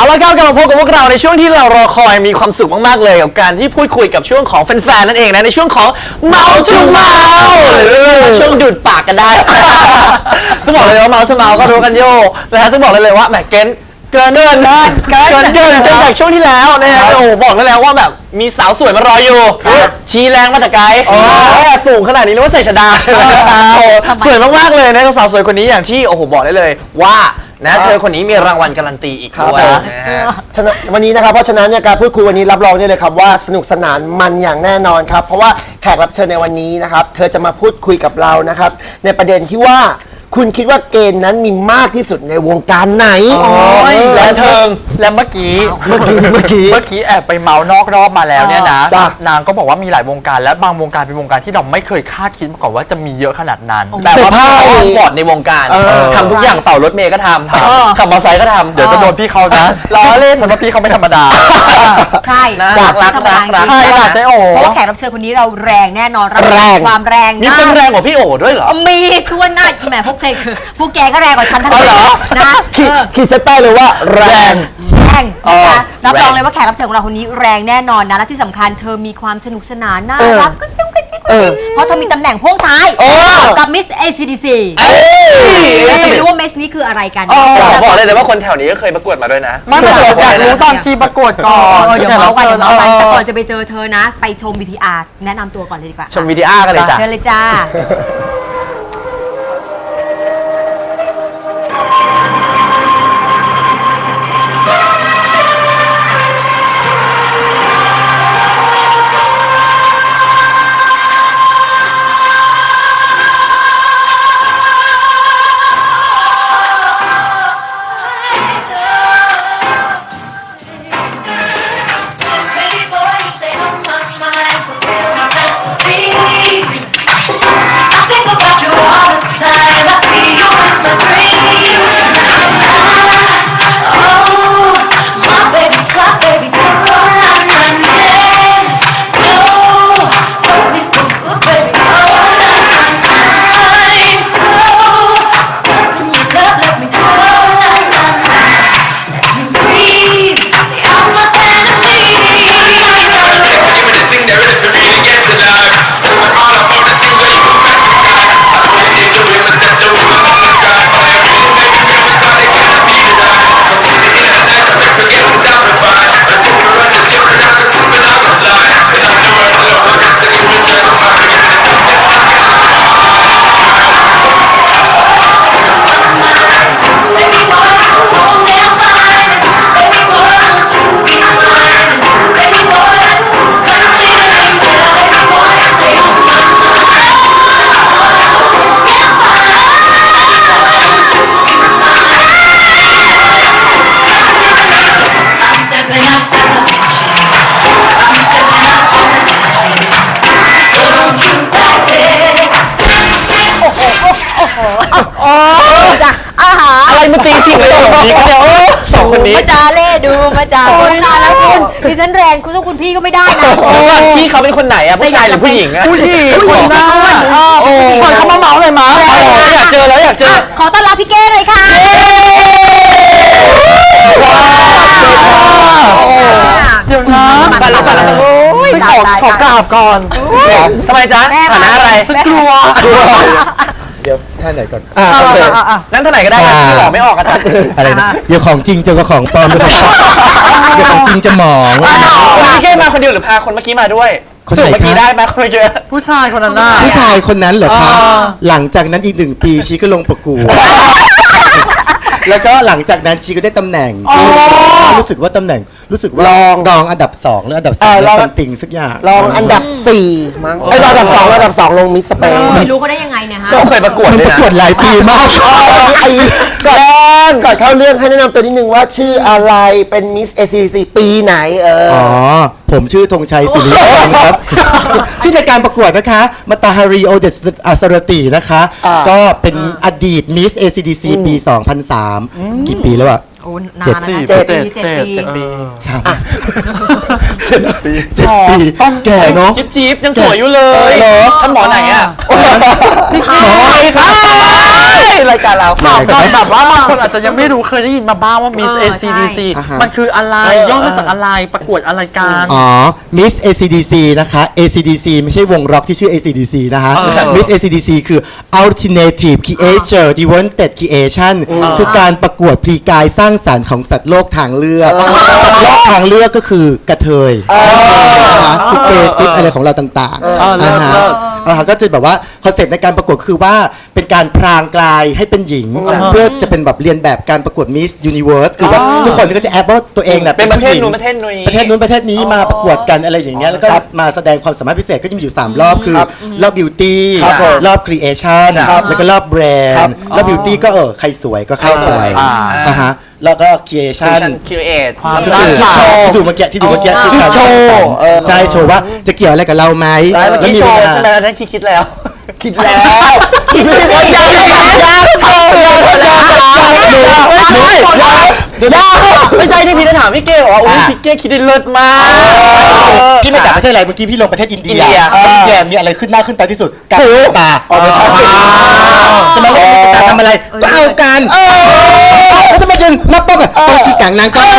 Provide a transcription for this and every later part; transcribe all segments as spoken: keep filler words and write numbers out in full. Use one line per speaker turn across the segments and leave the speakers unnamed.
เอาละครับกลับมาพบกับพวกเราในช่วงที่เรารอคอยมีความสุขมากๆเลยกับการที่พูดคุยกับช่วงของแฟนๆนั่นเองนะในช่วงของเมาส์ทูเมาส์หรือช่วงดูดปากกันได้ต้องบอกเลยว่าเมาส์ทูเมาส์ก็รู้กันโย่นะฮะต้องบอกเลยเลยว่าแหมเกินเกินเกินเกินเกินเกินจากช่วงที่แล้วนะฮะโอ้บอกแล้วว่าแบบมีสาวสวยมารออยู่ชี้แรงมาแต่ไกลสูงขนาดนี้นึกว่าใส่ชดาสวยมากๆเลยนะสาวสวยคนนี้อย่างที่โอ้โหบอกได้เลยว่านะเธอคนนี้มีรางวัลการันตีอีกด้วย
วันนี้นะครับเพราะฉะนั้นเนี่ยการพูดคุยวันนี้รับรองได้เลยครับว่าสนุกสนานมันอย่างแน่นอนครับเพราะว่าแขกรับเชิญในวันนี้นะครับเธอจะมาพูดคุยกับเรานะครับในประเด็นที่ว่าคุณคิดว่าเกณฑ์นั้นมีมากที่สุดในวงการไหน
และเธอ
และเมื่อกี้
เมื่อกี้เมื่อกี้
เมื่อกี้แอบไปเมาส์นอกรอบมาแล้วเนี่ยนะนางก็บอกว่ามีหลายวงการและบางวงการเป็นวงการที่เราไม่เคยคาดคิดมาก่อนว่าจะมีเยอะขนาดนั้น
แบบว่าบอดในวงการทำทุกอย่างเป่ารถเมย์ก็ทำขับมอเตอร์ไซค์ก็ทำ
เดี๋ยวจะโดนพี่เขานะล้อเล่นสำหรับพี่เขาไม่ธรรมดา
ใช่
จากรักรักรัก
ใช่ค่ะเจ๊โอ
เพราะว่าแขกรับเชิญคนนี้เราแรงแน่นอนแรงความแรง
มีคนแรงกว่าพี่โอด้วยเหรอ
มีทั่วหน้าแหมพวกเธอคือพวกแกก็แรงกว่าฉันทั้งนั้นนะ
ขีดเส้นใต้เลยว่าแรง
แรงนะคะรับรองเลยว่าแขกรับเชิญของเราคนนี้แรงแน่นอนนะและที่สำคัญเธอมีความสนุกสนานน่ารักก็จุ๊กกระจิ๊กเพราะเธอมีตำแหน่งพ่วงท้ายกับ Miss เอ ซี ดี ซีแล้วจะไม่รู้ว่า Miss นี้คืออะไรกัน
บอกเลยแต่ว่าคนแถวนี้ก็เคยประกวดมาด้วยนะ
ไม่ประกวดอยากรู้ตอนชีประกวดก่อน
เดี๋ยวเราไปเดี๋ยวเราไปแต่ก่อนจะไปเจอเธอนะไปชม วี ที อาร์ แนะนำตัวก่อนเลยดีกว่า
ชม วี ที อาร์ กันเลยจ้ะ
เชิญเลยจ้า
อะไรมาตีชิงเลยแบบนี้ก็เดี๋ยวสองคนนี้
มาจาเล่ดูมาจาคนนานแล้วคุณดิฉันแรงคุณสู้คุณพี่ก็ไม่ได้นะ
พี่เขาเป็นคนไหนอะผู้ชายหรือผู้หญิงอะ
ผู้หญิงคนหน้า
โอ้
ชวนเขามาเมาเลยมั้ย
อยากเจอแล้วอยากเจอ
ขอต้อนรับพี่เก้เลยค่ะ
เดี๋ยวนะ
ไปแล้วไปแล้ว
ขอขอกราบก่อน
ทำไมจ๊ะฐานะอะไร
กลัว
เดี๋ยวท่านไหนก่อน
อ่าโอเคนั่นท่านไหนก็ได้ที่บอกไม่ออกกัน
อะไรนะเดี๋ยวของจริงเจอกับของปลอมเดี๋ยวของจริงจะหมอง
พี่เก้มาคนเดียวหรือพาคนเมื่อกี้มาด้วยคนไหนเมื่อกี้ได้ไหมคนเมื่อกี้
ผู้ชายคนนั้นน่ะ
ผู้ชายคนนั้นเหรอครับหลังจากนั้นอีกหนึ่งปีชีก็ลงประกวดแล้วก็หลังจากนั้นชีก็ได้ตำแหน่งรู้สึกว่าตำแหน่งรู้สึกว่ารองรองอันดับสองหรืออันดับสามแล้วซัมติงสักอย่างรองอันดับสี่มั้งไอ้รองอันดับสองอันดับสองลงมิสสเปน
ไม่รู้ก็ได้ยังไงเนี่ยฮะ
ก็เคยประกวดเลยนะ
ประกวดหลายปีมากไอ้ก่อนก่อนเข้าเรื่องให้แนะนำตัวนิดนึงว่าชื่ออะไรเป็นมิสเอซีซีปีไหนเอออ๋อผมชื่อธงชัยสุริยันครับชื่อในการประกวดนะคะมาตาฮาริโอเดสอาสรตินะคะก็เป็นอดีตมิส เอ ซี ดี ซี ปี สองพันสาม กี่ปีแล้วอะ
โอ้นานนะ
เจ็ดปี
เจ็ดปี
ใช่เจ็ดปีเจ็ดปี
ต้อง
แก่เนาะ
จิ๊บจิ๊บยังสวยอยู่เลยท่านหมอไหนอะ
หมอไหนครับ
รายการเรา
ถามก่อนแบบว่าบางคนอาจจะยังไม่รู้เคยได้ยินมาบ้างว่า Miss
เออ
เอ ซี ดี ซี
อ่าฮะ
มันคืออะไร
เออ
ย่อมาจากอะไรประกวดอะไรกัน
อ๋อ Miss เอ ซี ดี ซี นะคะ เอ ซี ดี ซี ไม่ใช่วงร็อกที่ชื่อ เอ ซี ดี ซี นะคะ
เออ
Miss เอ ซี ดี ซี คือ Alternative Creature Development Creation คือการประกวดพลีกายสร้างสรรค์ของสัตว์โลกทางเลือกสัตว์โลกทางเลือกก็คือกระเทยนะคะคือเกย์ติ๊กอะไรของเราต่าง
เออ
ๆ
เลิ
นะ
ศ
ฮะ
เลิศ
อ่าฮะก็จะแบบว่าคอนเซ็ปต์ในการประกวดคือว่าเป็นการพรางกลายให้เป็นหญิง เพื่อจะเป็นแบบเรียนแบบการประกวด Miss Universe คือว่าทุกคนก็จะแอบว่าตัวเองน่ะ
เป็นประเทศ
ผู้หญิง
นู้นประเทศนี้
ประเทศนู้นประเทศนี้มาประกวดกันอะไรอย่างเงี้ยแล้วก็มาแสดงความสามารถพิเศษก็จะมีอยู่สามรอบคือรอบบิวตี้
ครับผม
รอบครีเอชั่น
ครับ
แล้วก็รอบแบรนด์รอบบิวตี้ก็เออใครสวยก็เข้าไป
อ่า
อ่าฮะแล้วก็ครีเอชั่น
คิวเอท
ความ
ก็คือ
สร้างสรรค์
ที่ดูเมื่อกี้ที่ดูเมื่อกี้คือการ
โชว์เออ
ใช่โชว์ว่าจะเกี่ยวอะไรกับเราไหม
เมื่อกี้
มี
โชว์
เวลา
ใช่ไหมนั่นคิดคิดแล้ว คิดแล้ว
คิดไม่ได้
ยากยากยากยากยากยากไม่ใช่ยากไม่ใช่ที่พี่จะถามพี่เก้บอกว่าอุ้ยพี่เก้คิดได้เลิศมาก
พี่มาจากประเทศอะไรเมื่อกี้พี่ลงประเทศอินเดีย
อินเดีย
แล้วอินเดียมีอะไรขึ้นหน้าขึ้นตาที่สุดการตาออกไปใช้สมัยเราตาทำอะไรก็เอากันแล้วทำไมจนนับป้องอ่ะต้องชี้กลางนางก็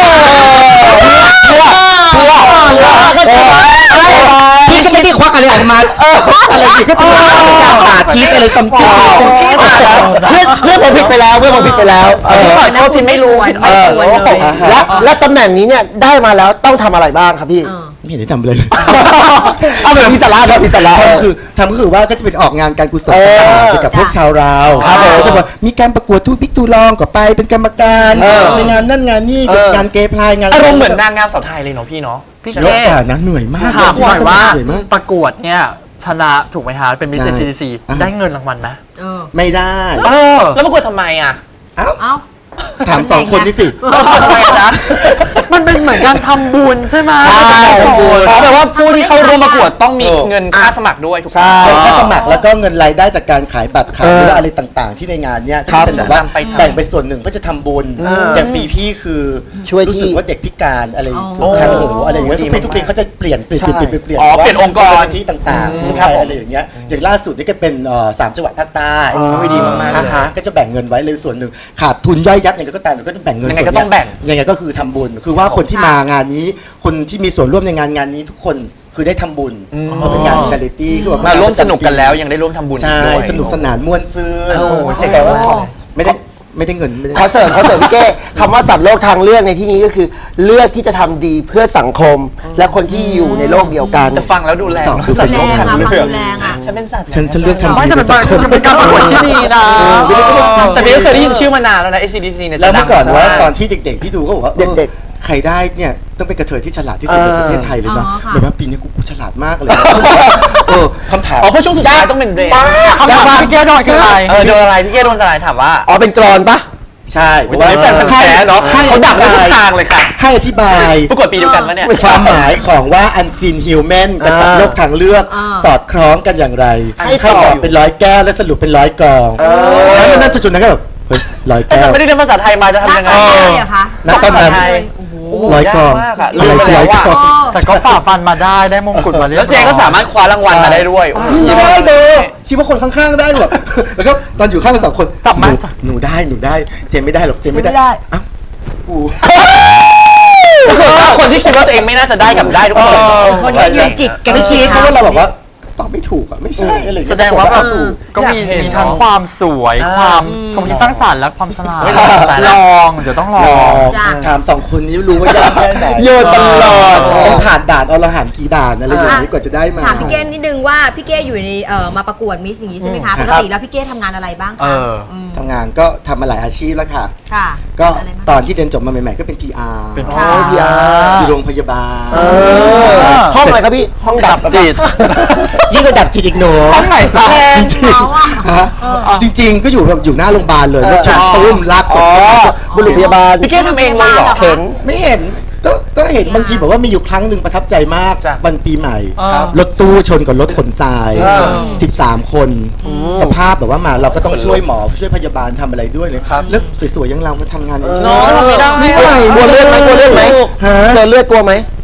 พี่ก็ไม่ได้ควักอะไรออกมาอะไรสิก็เป็นการสาธิตอะไรซัมติงเพื่อนเพื่อนผมผิดไปแล้วเพื่อนผมผิดไปแล้ว
พี่ขอโทษพี่ไม่รู้
ไม่ควรเลย
และและตำแหน่งนี้เนี่ยได้มาแล้วต้องทำอะไรบ้างครับพี่ไม่เห็นได้ทำเลยเอาแบบพิศราครับพิศราทำคือทำก็คือว่าก็จะเป็นออกงานการกุศลต่างๆเกี่ยวกับพวกชาวราวก็จะบอกมีการประกวดทูบิ๊กทูลองก็ไปเป็นกรรมการในงานนั่นงานนี่งานเกย์พลายงาน
อารมณ์เหมือนนางงามสาวไทยเลยเนาะพี่เนาะ
พี่
เย
เก้
อะแต่นะเหนื่อยมาก
ถามหน่อยว่า
เหนื่อยมาก
ประกวดเนี่ยชนะถูกไหมฮะเป็น Miss
ได้
เอ ซี ดี ซี
อ่ะ
ได้เงินรางวัลไหม
เออ
ไม่ได้
เออ
แล้วประกวดทำไมอ่ะ
เอ้า
เอ้า
ถามสองคนนี่สิ
ทำไมจ๊ะ
มันเป็นเหมือนการทำบุญใช่ไหม
ใช่
ทำบุญ
แปลว่าผู้ที่เข้าร่วมประกวดต้องมี
เออ
เงินค่าสมัครด้วยถูกไหม
ใช่ค่าสมัครแล้วก็เงินรายได้จากการขายบัตรขายหรือว่าอะไรต่างๆ ที่ในงานเนี้ยก็จะเป็นแบบว่า
จะนำไปทำ
แบ่งไปส่วนหนึ่งเพื่อจะทำบุญอย่างปีพี่คือรู้สึกว่าเด็กพิการอะไร
อ๋อ
ทางหูอะไรอย่างเงี้ยทุกปีทุกปีเขาจะเปลี่ยนเปลี่ยนเปลี่ยนเปลี่ยนเปลี่ยน
อ๋อเปลี่ยนองค์กร
มูลนิธิต่าง
อืม
ๆ
ครับผม
อะไรอย่างเงี้ยอย่างล่าสุดนี่ก็เป็นเอ่อสามจังหวัดภาคใต้
โอ้ยดีมากๆเลย
อ่ฮะก็จะแบ่งเงินไว้เลยส่วนหนึ่งขาดทุนย่อยยับอย่างไรก็ตามก็จะแบ่งเงิน
ยังไง
ส่วน
ก็ต้องแบ่ง
ยังไงก็คือทำบุญคือว่าคนที่มางานนี้คนที่มีส่วนร่วมในงานงานนี้ทุกคนคือได้ทำบุญเพราะเป็นงาน charity คือแบบ
มาร่วมสนุกกันแล้วยังได้ร่วมทำบุญ
ใช่
ด้วย
สนุกสนานม่วนซื่น
โอ้เจ๋ง
แต่ว่า
มาก
ไม่ได้ไม่ได้เงินไม่ได้
ขอเสริมขอเสริมพี่เก้คำว่าสัตว์โลกทางเลือกในที่นี้ก็คือ เลือกที่จะทำดีเพื่อสังคม และคนที่อยู่ในโลกเดียวกัน
จะฟังแล้วดูแรง
ตอบ
เนอะ
คือ
สั
เป็
ต
น
ว์
โล
โล
ก
ก
ทาง
แรง
เลื
อะ
อก
แรงอะ
ฉันเป็นสัตว์
ฉันฉันเลือกทำ
ไม่
ดี
แต่
เป็
เป็น
นสังคม
เป็นการประกวดที่ดีนะ
แต่พี่ก็เคยได้ยินชื่อมานานแล้วนะ เอ ซี ดี ซี เนี่ย
แล้วเมื่อก่อน
จะดัง
ว่า
มา
ตอนที่เด็กๆพี่ดูก็บอกว่า
เด็ก
ๆใครได้เนี่ยต้องเป็นกระเทยที่ฉลาดที่สุดในประเทศไทยเลยนะ
อ๋อค่ะ
แบบว่าปีนี้กูกูฉลาดมากเลยนะเออคำถาม
อ๋อเพราะช่วงสุดท้ายต้องเป็นเบรก
คำถามพี่เก้โดนคืออะไร
เออโดนอะไรพี่เก้โดนอะไรถามว่า
อ๋อเป็นกรอนปะ
ใช่
โอ้ยตอนนี้แฟนพันธุ์แท้เนาะ
ให้
เขาดักได้ทุกทางเลยค่ะ
ให้อธิบาย
ประกวดปีเดียวกันปะเนี่ย
ความหมายของว่า unseen human กับสัตว์โลกทางเลือก
อ่า
สอดคล้องกันอย่างไร
ให้
ให้
ตอบ
ตอบเป็นร้อยแก้วและสรุปเป็นร้อยกองแล้วมันน่าจะจุดนั้นก็แบบเฮ้ยร้อย
แต่
แก้ว
ไม่ได้เรียนภาษาไทยมาจะ
หน้า
ทำยังไง
ตาเลยเหรอคะ
ณตอนนั้น
ภาษาไทย
โอ้โห
ร้อยกอง
ยากมากอะ
อะไรคือร้อยกอง
โอ้
แต่ก็ฝ่าฟันมาได้ได้มงกุฎมาเรียบร้
แล้
อ
วย เจก็สามารถคว้ารางวัลมาได้ด้วยโอ้โห
ไม่ได้เด้อคิดว่าคนข้างๆได้หรอแล้วก็ตอนอยู่ข้างกันสองคน
กลับมา
หนูหนูได้หนูได้เจมไม่ได้หรอกเจมไม่ได้อ้าวกู
ก็คือว่าคนที่คิดว่าตัวเองไม่น่าจะได้กับได้ทุกคน
คนที่ยืนจิตกัน
ไม่คิดเพราะว่าเราแบบว่าตอบไม่ถูกอ่ะไม่ใช่อะไรอย่เย
แสดงว่าแบบ
ถูก
ก็มี
อยากเห็น
มีทั้ง
เนอะ
ความสวย
อ่า
ความความคิดสร้างสรรค์และความฉลาด
ไม่ลองแต่ละ
ลองเดี๋ยวต้องลอ
ลอง ง
จ้ะ
ถามสองคนนี้รู้ว่ายากแค่ไหน
โยนตลอด
ต้องผ่านด่านอรหันต์กี่ด่านอะไรอย่างนี้กว่าจะได้มา
ถามพี่เก้นิดนึงว่าพี่เก้อยู่ในเอ่อมาประกวดมิสอย่างนี้ใช่ไหมคะปกติแล้วพี่เก้ทำงานอะไรบ้าง
เอ
คะ
อ
ม
ทำงานก็ทำมาหลายอาชีพแล้วค่ะ
ค่ะ
ก็
อะไรบ้าง
ตอนที่เรียนจบมาใหม่ๆก็เป็น พี อาร์
เป็น
ค่ะ
โอ้พีอาร์
อยู่โรงพยาบาล
เออห้องอะไรครับพี่ห้องดับ
จิต
ยิ่งกว่าดับจิตอีกหนู
ห้องไหนจ๊ะ
จริง
เขาอะ
ๆฮะจริง ๆ ก็อยู่แบบอยู่หน้าโรงพยาบาลเลยแล้วชนตุ้มลากศพ
บุรุษพยาบาล
พี่เก้ทำเองเลยเหรอ
เข็น
ไม่เห็นก็ก็เห็นบางทีบอกว่ามีอยู่ครั้งหนึ่งประทับใจมาก
จ้ะ
วันปีใหม่
ครับ
รถตู้ชนกับรถขนทราย
อ่า
สิบสามคน สภาพแบบว่ามาเราก็ต้องช่วยหมอช่วยพยาบาลทำอะไรด้วยเลยแล้วสวยๆอยังเรามาทำงานเอง
เนอะทำไม่ได้
กลัวเลือดไหมกลัวเลือดไหม
ฮะ
เจอเลือดกลัวไหม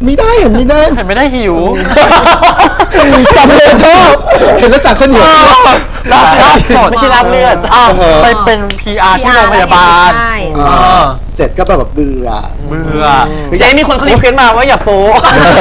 ไม่ได้เห็นไม่ได้
เห็นไม่ได้หิว
จำเลยชอบเห็นแล้วสั่งข้าวเหนียว
ลาบลาบสด
ไม่ใช่ลาบเลือด
อ้าวไปเป็น พี อาร์ ที่โรงพยาบาล
ใช่
เออ
เสร็จก็แบบเบื่อ
เบื่อ
เจ๊มีคนเขารีเควสต์มาว่าอย่าโป๊ะ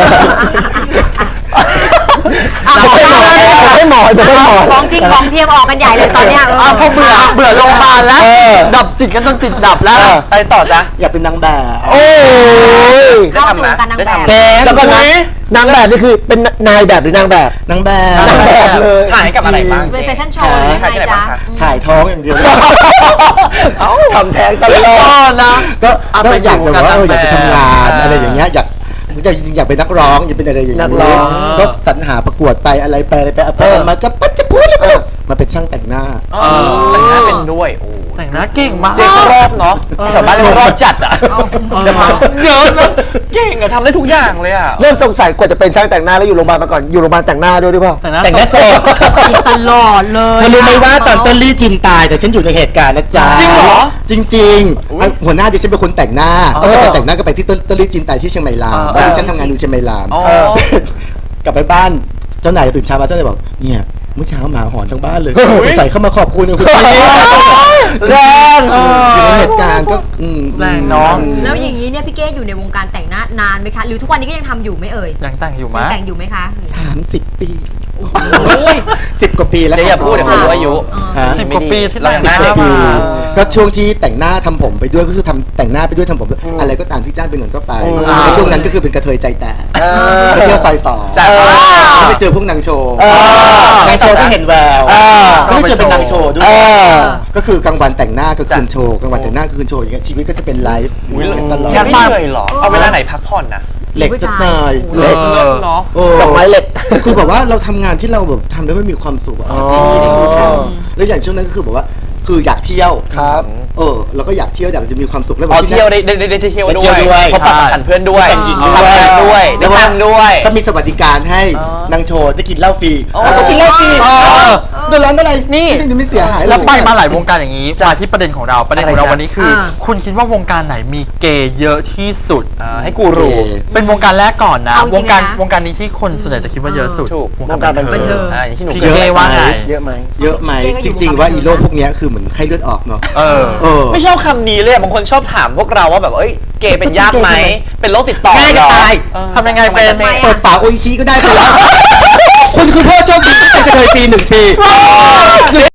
จะให้หมอจะให้หมอจะให้หมอ
ของจริงของเทียมออกกันใหญ่เลยตอนเนี้ย
อ้าวพอเบื่อเบื่อโรงพยาบาลแล้ว
เออ
ดับจิตกันจนจิตดับแล้ว
เออ
ไปต่อจ้ะ
อยากเป็นนางแบบ
โอ้ย
เข้าสู่วงการนางแบบ
เป็น
แล้วก็นะนางแบบนี่คือเป็นนายแบบหรือนางแบบ
นางแบบ
นางแบบเลย
ถ่ายกับอะไรบ้าง
เป็นแฟชั่นโชว์หรือไงจ๊ะ
ถ่ายท้องอย่างเดียว
เอ้าทำแท้งตลอ
ก็
ด
นะ
ก็
เอา
ก็
ไป
อยากจะว่าเออ
ดู
อยากจะ
กัน
ทำงาน
แบบ
อะไรอย่างเงี้ยอยากจริงๆอยากเป็นนักร้องอยากเป็นอะไรอย่าง
นั
เงี้
กร้อง
ยก็สรรหาประกวดไปอะไรไปอะไรไปเอาไป
เออ
มาจะปัดจะพูดเลยไปมาเป็นช่างแต่งหน้า
เออแต่งหน้าเป็นด้วยโอ้
แต่งหน้าเก่งมาก
เจ๊เขารอบเนาะแถวบ้านเรารอบจัดอ่ะ
เออ
เยอะนะเก่งอะทำได้ทุกอย่างเลยอ่ะ
เริ่มสงสัยกว่าจะเป็นช่างแต่งหน้าแล้วอยู่โรงพยาบาลมาก่อนอยู่โรงพยาบาลแต่งหน้าด้วยหรือเปล่า
แต่งหน้า
แต่งหน้าสด
ตลอดเลย
เธอรู้ไหมว่าตอนต้นลี่จินตายแต่ฉันอยู่ในเหตุการณ์นะจ๊ะ
จริงเหรอ
จริงๆอ่ะหัวหน้าดิฉันเป็นคนแต่งหน้า
อ๋อ
ตั้งแต่แต่งหน้าก็ไปที่ต้นต้นลี่จินตายที่เชียงใหม่ลาว
อ๋อ
ตอนที่ฉันทำงานอยู่เชียงใหม่ลาว
อ๋อ
เสร็จกลับไปบ้านเจ้านายตื่นเช้ามาเจ้านายบอกเนี่ยเมื่อเช้าหมาหอนทั้งบ้านเลยสงสัยเข้ามาขอบคุณคุณพี่
แรง
อยู่ในเหตุการณ์ก็อืม
แรงเนาะ
แล้วอย่างนี้เนี่ยพี่เก้อยู่ในวงการแต่งหน้านานไหมคะ หรือทุกวันนี้ก็ยังทำอยู่ไหมเอ่ย
ยังแต่งอยู่ไหม
ยังแต่งอยู่ไหมคะ
สามสิบปี
โอ้ย
สิบกว่าปีแล้ว
เจ๊อย่าพูดเดี๋ยวเขารู้อายุ
ฮะ
สิบกว่าปีที่
เรา
แต่ง
ห
ห
น้า
น้า
เด็ก
ปี
มา
ก็ช่วงที่แต่งหน้าทำผมไปด้วยก็คือทำแต่งหน้าไปด้วยทำผมด้วยอะไรก็ตามที่จ้างเป็นเงินก็ไป
อ่า
ในช่วงนั้นก็คือเป็นกระเทยใจแตกไปเที่ยวซอยสอง
จ้ะ
ก็ไปเจอพวกนางโชว์
เออ
นางโชว์ที่เห็นแวว
เออ
ก็ได้เจอเป็นนางโชว์ด้วย
เออ
ก็คือกลางวันแต่งหน้ากลางคืนโชว์กลางวันแต่งหน้ากลางคืนโชว์อย่างเงี้ยชีวิตก็จะเป็นไลฟ์อยู่อย่างเงี้ยตลอด
แค่ไม่เหนื่อยเหรอ เอาเวลาไหนพักผ่อนนะ
เหล็กสักหน่อย
เหล็ก
เลิกเนาะ
โอ้
ดอกไม้เหล็ก
คือแบบว่าเราทำงานที่เราแบบทำแล้วไม่มีความสุขอะ
อ๋อ
จริงๆนี่คือทำแล้วอย่างช่วงนั้นก็คือแบบว่าคืออยากเที่ยว
ครับ
เออเราก็อยากเที่ยวอยากจะมีความสุขแล้ว
อ๋อ
ที่
เที่ยว
นั่น
ได้ได้ได้ได้เที่ยว
ได้
ด้
เที่
วย
ยวด้วย
พบปะสังสรรค์เพื่อนด้วย
แต่งหญิงด้วย
ทำงานด้วยได้ตังค์ด้วย
ก็มีสวัสดิการให้นางโชว์ได้กินเหล้าฟรี
อ๋อ
แล้วก็กินเหล้าฟรี
อ๋อ
โดนร้านอะไร
นี่
นี่ไม่เสียหาย
แล้วไปมาห
หลาย
ลายวงการอย่างนี้มาที่ประเด็นของเราประเด็นของเรา
อะไรจ๊ะ
วันนี้คือ คุณคิดว่าวงการไหนมีเกย์เยอะที่สุด
อ่าให้กูรู้
เป็นวงการแรกก่อนนะ
เอาจริงๆ
วงการ
นะ
วงการนี้ที่คนส่วนใหญ่จะคิดว่าเยอะสุด
ถูก
วงการบัน
วงการบัน
เทิ
เทิ
ง
ง
อ่าอย่างที่หนู
พี่
เคย
เก้ว่าไง
เยอะไหม
เยอะไหมจริง ๆ ว่าอีโรคพวกเนี้ยคือเหมือนไข้เลือดออกเนาะ
เออ
เออ
ไม่ชอบคำนี้เลยอะบางคนชอบถามพวกเราว่าแบบเอ้ยเกย์เป็นยากไหมเป็นโรคติดต่อ
ง่ายจะ
เหรอ
ตาย
เออ
ทำยังไงเป็น
ทำมจะ
เปิดฝาโออิชิก็ได้ไปแล้วคุณคือพ่อโชคดีที่เป็นกระเทยปีหนึ่งปี